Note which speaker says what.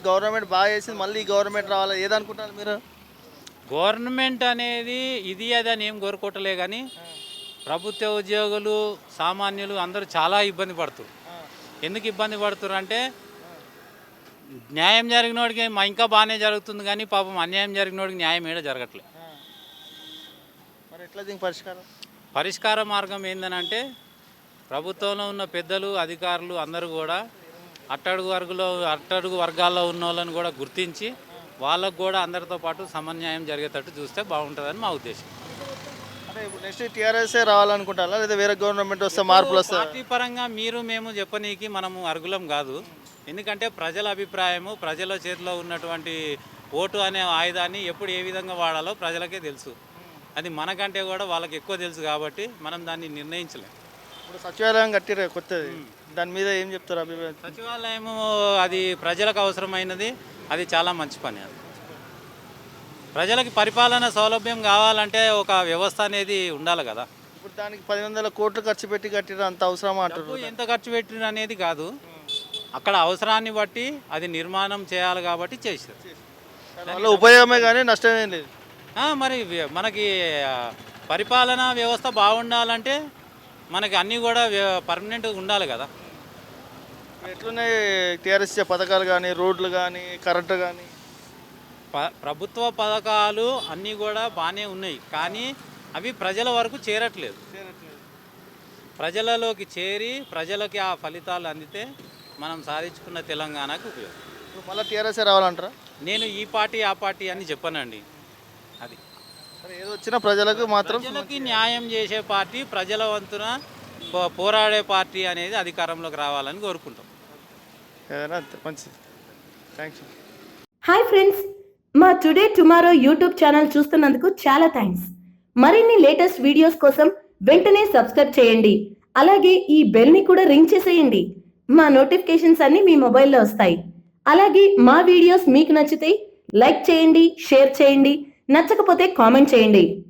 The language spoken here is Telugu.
Speaker 1: గవర్నమెంట్ బాగా చేసింది, మళ్ళీ ఈ గవర్నమెంట్ రావాలి ఏదనుకుంటారు మీరు?
Speaker 2: గవర్నమెంట్ అనేది ఇది అది అని ఏం కోరుకోవట్లే కానీ ప్రభుత్వ ఉద్యోగులు సామాన్యులు అందరూ చాలా ఇబ్బంది పడుతున్నారు. ఎందుకు ఇబ్బంది పడుతున్నారు అంటే న్యాయం జరిగినోడికి ఇంకా బాగానే జరుగుతుంది కానీ పాపం అన్యాయం జరిగినోడికి న్యాయం ఏడ జరగట్లేదు.
Speaker 1: మరి ఎట్లా దీనికి పరిష్కారం?
Speaker 2: పరిష్కార మార్గం ఏంటంటే ప్రభుత్వంలో ఉన్న పెద్దలు అధికారులు అందరూ కూడా అట్టడుగు వర్గాల్లో ఉన్న వాళ్ళని కూడా గుర్తించి వాళ్ళకు కూడా అందరితో పాటు సమన్యాయం జరిగేటట్టు చూస్తే బాగుంటుందని మా ఉద్దేశం.
Speaker 1: అంటే ఇప్పుడు నెక్స్ట్ టీఆర్ఎస్ఏ రావాలనుకుంటారా లేదా వేరే గవర్నమెంట్ వస్తే మార్పులు వస్తాయి?
Speaker 2: పార్టీ పరంగా మేము చెప్పనీకి మనము అర్హులం కాదు. ఎందుకంటే ప్రజల అభిప్రాయము, ప్రజల చేతిలో ఉన్నటువంటి ఓటు అనే ఆయుధాన్ని ఎప్పుడు ఏ విధంగా వాడాలో ప్రజలకే తెలుసు. అది మనకంటే కూడా వాళ్ళకి ఎక్కువ తెలుసు కాబట్టి మనం దాన్ని నిర్ణయించలేం.
Speaker 1: ఇప్పుడు సచివాలయం కట్టిరే కొత్తది, దాని మీద ఏం చెప్తారు అభిప్రాయం?
Speaker 2: సచివాలయము అది ప్రజలకు అవసరమైనది, అది చాలా మంచి పని. అది ప్రజలకి పరిపాలన సౌలభ్యం కావాలంటే ఒక వ్యవస్థ అనేది ఉండాలి కదా.
Speaker 1: ఇప్పుడు దానికి 10,000 కోట్లు ఖర్చు పెట్టి కట్టిన అంత అవసరమా అంటారు?
Speaker 2: ఎంత ఖర్చు పెట్టిన అనేది కాదు, అక్కడ అవసరాన్ని బట్టి అది నిర్మాణం చేయాలి కాబట్టి చేశారు.
Speaker 1: దానివల్ల ఉపయోగమే కానీ నష్టమేం లేదు.
Speaker 2: మరి మనకి పరిపాలనా వ్యవస్థ బాగుండాలంటే మనకి అన్నీ కూడా పర్మనెంట్గా ఉండాలి కదా.
Speaker 1: ఎట్లున్నాయి టీఆర్ఎస్ పథకాలు కానీ, రోడ్లు కానీ, కరెంటు కానీ?
Speaker 2: ప్రభుత్వ పథకాలు అన్నీ కూడా బాగానే ఉన్నాయి కానీ అవి ప్రజల వరకు చేరట్లేదు. ప్రజలలోకి చేరి ప్రజలకి ఆ ఫలితాలు అందితే మనం సాధించుకున్న తెలంగాణకు ఉపయోగం.
Speaker 1: ఇప్పుడు మళ్ళీ టీఆర్ఎస్ రావాలంటారా?
Speaker 2: నేను ఈ పార్టీ ఆ పార్టీ అని చెప్పనండి. అది
Speaker 1: ఏదో వచ్చినా ప్రజలకు మాత్రం
Speaker 2: ప్రజలకి న్యాయం చేసే పార్టీ, ప్రజల వంతున పోరాడే పార్టీ అనేది అధికారంలోకి రావాలని కోరుకుంటాం.
Speaker 1: ఏదైనా మంచిది. థ్యాంక్స్.
Speaker 3: హాయ్ ఫ్రెండ్స్, మా టుడే టుమారో యూట్యూబ్ ఛానల్ చూస్తున్నందుకు చాలా థ్యాంక్స్. మరిన్ని లేటెస్ట్ వీడియోస్ కోసం వెంటనే సబ్స్క్రైబ్ చేయండి. అలాగే ఈ బెల్ని కూడా రింగ్ చేసేయండి. మా నోటిఫికేషన్స్ అన్ని మీ మొబైల్లో వస్తాయి. అలాగే మా వీడియోస్ మీకు నచ్చితే లైక్ చేయండి, షేర్ చేయండి, నచ్చకపోతే కామెంట్ చేయండి.